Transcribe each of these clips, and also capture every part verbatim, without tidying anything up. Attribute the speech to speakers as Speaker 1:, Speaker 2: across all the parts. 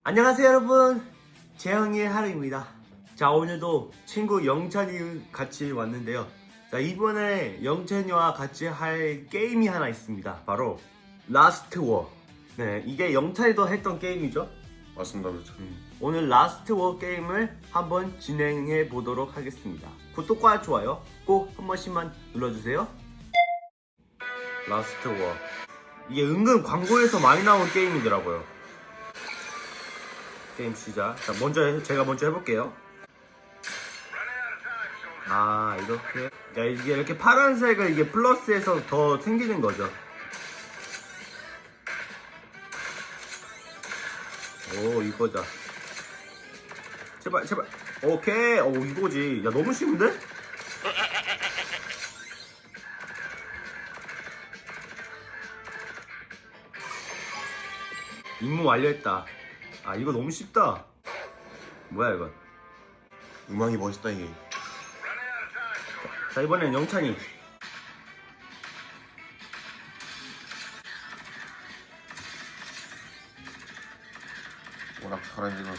Speaker 1: 안녕하세요 여러분, 재영이의 하루입니다. 자, 오늘도 친구 영찬이 같이 왔는데요. 자, 이번에 영찬이와 같이 할 게임이 하나 있습니다. 바로 라스트 워. 네, 이게 영찬이도 했던 게임이죠.
Speaker 2: 맞습니다, 그렇죠.
Speaker 1: 음, 오늘 라스트 워 게임을 한번 진행해 보도록 하겠습니다. 구독과 좋아요 꼭 한 번씩만 눌러주세요. 라스트 워, 이게 은근 광고에서 많이 나온 게임이더라고요. 게임 시작. 자, 먼저 해, 제가 먼저 해볼게요. 아, 이렇게. 야, 이게 이렇게 파란색을 이게 플러스해서 더 생기는 거죠. 오, 이거자. 제발, 제발. 오케이. 오, 이거지. 야, 너무 쉬운데? 임무 완료했다. 아, 이거 너무 쉽다. 뭐야 이거.
Speaker 2: 음악이 멋있다 이게.
Speaker 1: 자, 이번엔 영찬이.
Speaker 2: 워낙 잘하니까.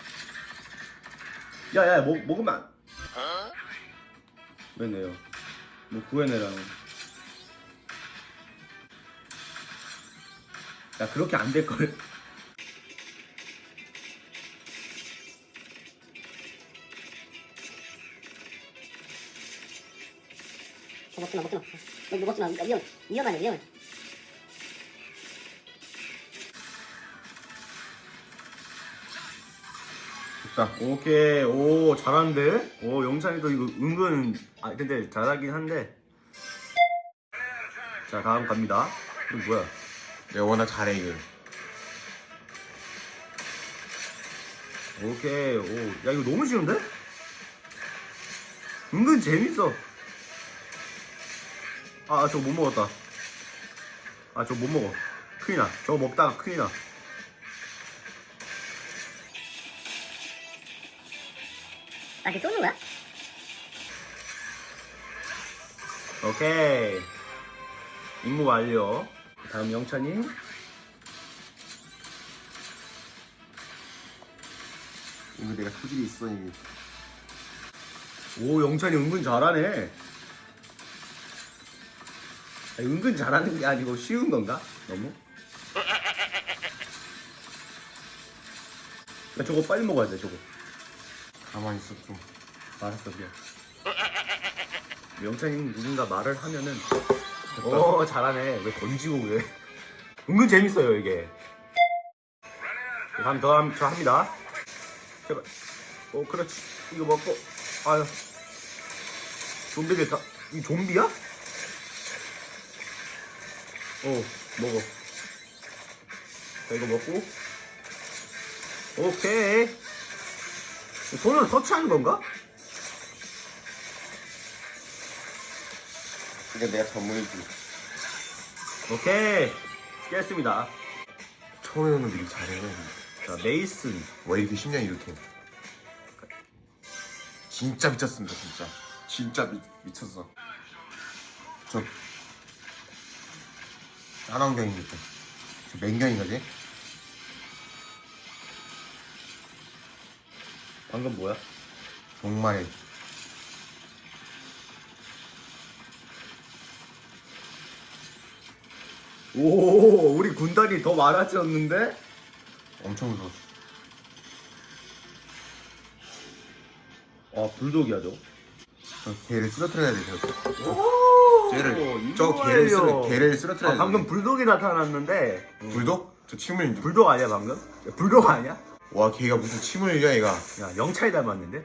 Speaker 1: 야야, 뭐, 먹으면 안... 왜 내요? 뭐 구해내라는. 야, 그렇게 안 될걸.
Speaker 3: 먹지마 먹지마 너 먹지마 위험 위험하네 위험해.
Speaker 2: 됐다.
Speaker 1: 오케이. 오, 잘하는데? 오, 영찬이도 이거 은근, 아 근데 잘하긴 한데. 자, 다음 갑니다. 이거 뭐야?
Speaker 2: 내가 워낙 잘해 이거.
Speaker 1: 오케이. 오, 야, 이거 너무 쉬운데? 은근 재밌어. 아, 저거 못 먹었다. 아, 저거 못 먹어. 큰일 나. 저거 먹다가 큰일 나.
Speaker 3: 아 이렇게 쏘는 거야?
Speaker 1: 오케이. 임무 완료. 다음 영찬이.
Speaker 2: 이거 내가 소질이 있어 이게.
Speaker 1: 오, 영찬이 은근 잘하네. 아니, 은근 잘하는 게 아니고 쉬운 건가? 너무? 야, 저거 빨리 먹어야 돼, 저거.
Speaker 2: 가만히 있어 좀.
Speaker 1: 알았어, 그냥. 영찬이 누군가 말을 하면은. 오, 잘하네. 왜 던지고 그래? 은근 재밌어요, 이게. 다음 더 함, 저 합니다. 제발. 오, 그렇지. 이거 먹고. 아유. 좀비들 다, 이 좀비야? 어, 먹어. 자, 이거 먹고. 오케이. 손으로 터치하는 건가?
Speaker 2: 이게 내가 전문이지.
Speaker 1: 오케이. 깼습니다.
Speaker 2: 처음에 오는 놈들이 잘해.
Speaker 1: 자, 메이슨.
Speaker 2: 왜 이렇게 쉽냐 이렇게. 진짜 미쳤습니다 진짜. 진짜 미, 미쳤어. 저 쌍안경입니다. 저 맹경인가지?
Speaker 1: 방금 뭐야?
Speaker 2: 정말
Speaker 1: 오, 우리 군단이 더 많아졌는데?
Speaker 2: 엄청 무서웠어.
Speaker 1: 아, 불독이야, 저.
Speaker 2: 저 개를 쓰러뜨려야 돼. 저.
Speaker 1: 오,
Speaker 2: 개를
Speaker 1: 이거
Speaker 2: 저 개를 쓰러
Speaker 1: 말이야.
Speaker 2: 개를 쓰러뜨려야
Speaker 1: 아,
Speaker 2: 돼.
Speaker 1: 방금 불독이 나타났는데. 음.
Speaker 2: 불독? 저 침을
Speaker 1: 불독 아니야, 방금? 야, 불독 아니야?
Speaker 2: 와 걔가 무슨 침을 흘려 얘가.
Speaker 1: 야, 영차이 닮았는데?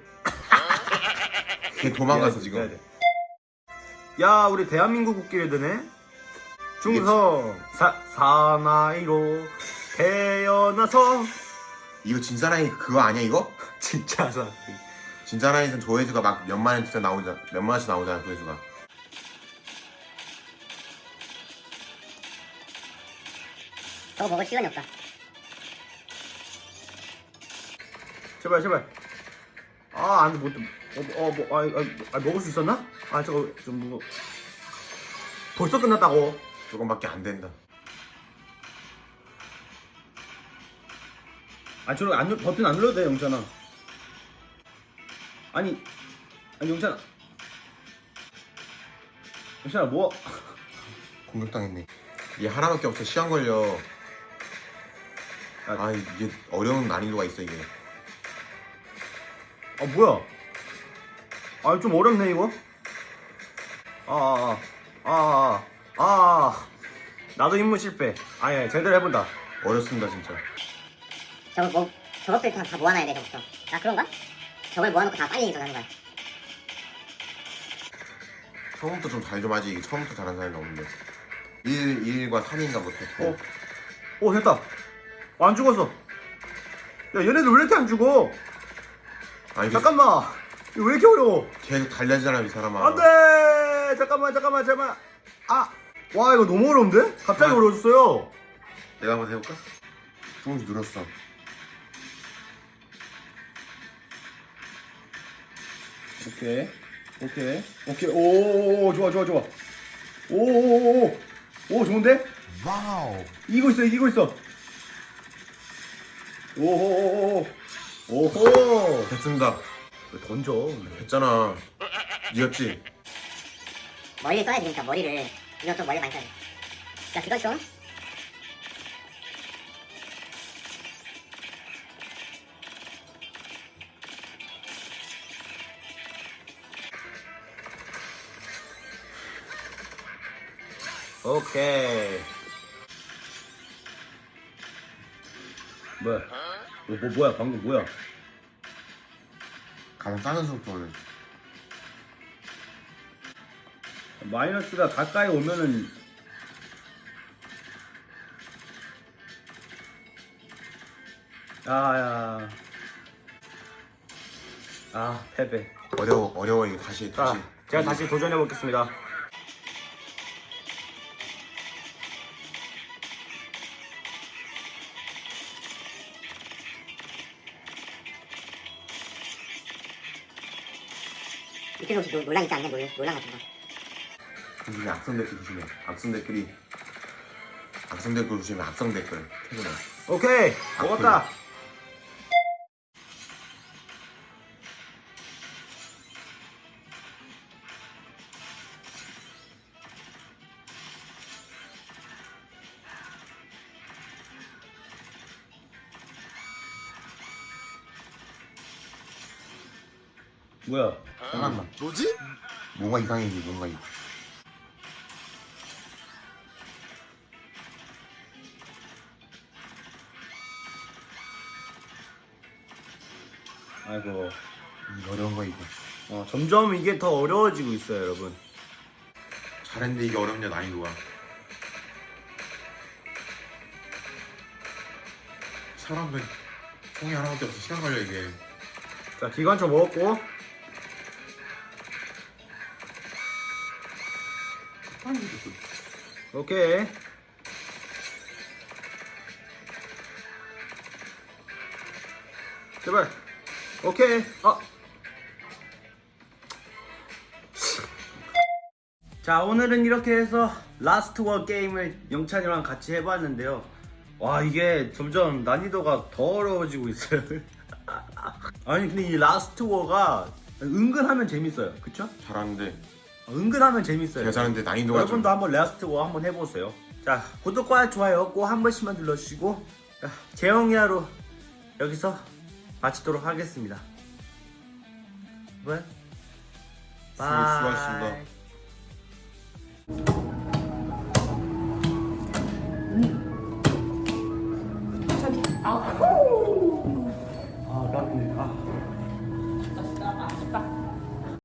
Speaker 2: 걔 도망가서
Speaker 1: 해야
Speaker 2: 지금.
Speaker 1: 돼. 야, 우리 대한민국 국기를 드네? 중성 사, 사나이로 태어나서.
Speaker 2: 이거 진사나이 그거 아니야 이거?
Speaker 1: 진짜 사.
Speaker 2: 진사나이에선 조회수가 막 몇만 원 진짜 나오잖아. 몇만 원씩 나오잖아 조회수가.
Speaker 3: 저거 먹을 시간이 없다.
Speaker 1: 제발, 제발. 아, 안 돼, 못, 어, 어, 뭐, 아, 아, 아, 먹을 수 있었나? 아, 저거, 좀, 뭐. 벌써 끝났다고.
Speaker 2: 조금밖에 안 된다.
Speaker 1: 아 저런 안 눌- 버튼 안 눌러도 돼 영찬아. 아니 아니 영찬아. 영찬아 뭐?
Speaker 2: 공격당했네. 이게 하나밖에 없어. 시간 걸려. 아 이게 어려운 난이도가 있어 이게.
Speaker 1: 아 뭐야? 아 좀 어렵네 이거. 아아아아 아, 아, 아, 아. 나도 임무 실패. 아예 제대로 해본다.
Speaker 2: 어렵습니다 진짜.
Speaker 3: 저거 뭐 저것들 다, 다 모아놔야 돼 저것도. 아 그런가? 저걸 모아놓고 다 빨리 저장하는 거야.
Speaker 2: 처음부터 좀 잘 좀 하지. 이게 처음부터 잘하는 사람이 없는데. 일, 일과 삼인가 못해.
Speaker 1: 어, 어 됐다. 어, 안 죽었어. 야 얘네들 왜 이렇게 안 죽어?
Speaker 2: 아니
Speaker 1: 잠깐만. 이거 왜 이렇게 어려워?
Speaker 2: 계속 달려지잖아 이 사람아.
Speaker 1: 안돼. 잠깐만 잠깐만 잠깐만. 아, 와 이거 너무 어려운데? 갑자기
Speaker 2: 아.
Speaker 1: 어려워졌어요.
Speaker 2: 내가 한번 해볼까? 조금씩 늘었어.
Speaker 1: 오케이, 오케이, 오케이. 오, 좋아, 좋아, 좋아. 오, 오, 오, 오, 좋은데?
Speaker 2: 와우.
Speaker 1: 이기고 있어, 이기고 있어. 오호오호, 오호.
Speaker 2: 됐습니다.
Speaker 1: 왜 던져?
Speaker 2: 됐잖아. 이겼지?
Speaker 3: 머리를 써야 되니까 머리를 이거 좀 머리 많이 써야 돼. 야 그거 좀.
Speaker 1: 오케이. 뭐야? 뭐, 뭐 뭐야? 방금 뭐야?
Speaker 2: 가장 작은 속도를.
Speaker 1: 마이너스가 가까이 오면은 아야. 아 패배.
Speaker 2: 어려워 어려워 이게 다시
Speaker 1: 자,
Speaker 2: 다시.
Speaker 1: 제가 다시 도전해 보겠습니다.
Speaker 3: 밑에서 혹시 노- 놀랑 있지 않냐? 놀, 놀랑 같은 거.
Speaker 2: 조심해 악성 댓글 조심해. 악성 댓글이 악성 댓글 조심해. 악성 댓글. 퇴근해.
Speaker 1: 오케이 먹었다. 뭐야?
Speaker 2: 잠깐만. 뭐지? 뭔가 이상해지 뭔가 이.
Speaker 1: 아이고.
Speaker 2: 이 어려운 거 이거.
Speaker 1: 어, 점점 이게 더 어려워지고 있어요, 여러분.
Speaker 2: 잘했는데 이게 어렵냐 난이도가. 사람들 총이 하나밖에 없어. 시간 걸려 이게.
Speaker 1: 자, 기관총 먹었고.
Speaker 2: 빨리 됐어.
Speaker 1: 오케이. 제발. 오케이. 아. 자, 오늘은 이렇게 해서 라스트 워 게임을 영찬이랑 같이 해봤는데요. 와, 이게 점점 난이도가 더 어려워지고 있어요. 아니, 근데 이 라스트 워가 은근하면 재밌어요. 그쵸?
Speaker 2: 잘하는데
Speaker 1: 은근하면 재밌어요.
Speaker 2: 제가 잘하는데 난이도가 좀.
Speaker 1: 여러분도 한번 라스트 워 한번 해보세요. 자, 구독과 좋아요 꼭 한 번씩만 눌러주시고, 자, 재영이 하루 여기서 마치도록 하겠습니다. 왜?
Speaker 2: 수- 수고하셨습니다.
Speaker 4: 저기 아